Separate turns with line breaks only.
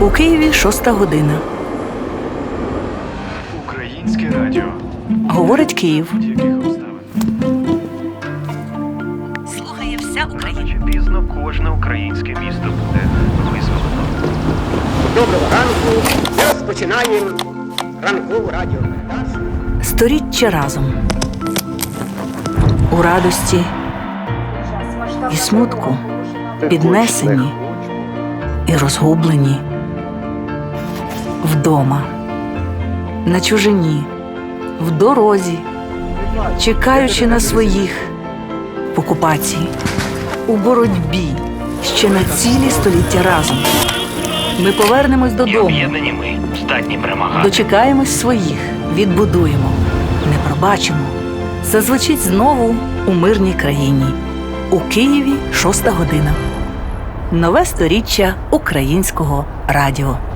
У Києві 6 година.
Українське радіо.
Говорить Київ.
Будь-яких обставин.
Слухає вся
Рано
Україна.
чи пізно кожне українське місто буде визволено.
Доброго ранку. Ми розпочинаємо ранкову радіопередачу.
Сторіччя разом. У радості і смутку, піднесені і розгублені. Вдома, на чужині, в дорозі, чекаючи на своїх, в окупації, у боротьбі, ще на цілі століття разом. Ми повернемось
І
додому,
об'єднані ми здатні перемагати.
дочекаємось своїх, відбудуємо, не пробачимо. Зазвучить знову у мирній країні. У Києві 6 година. Нове сторіччя українського радіо.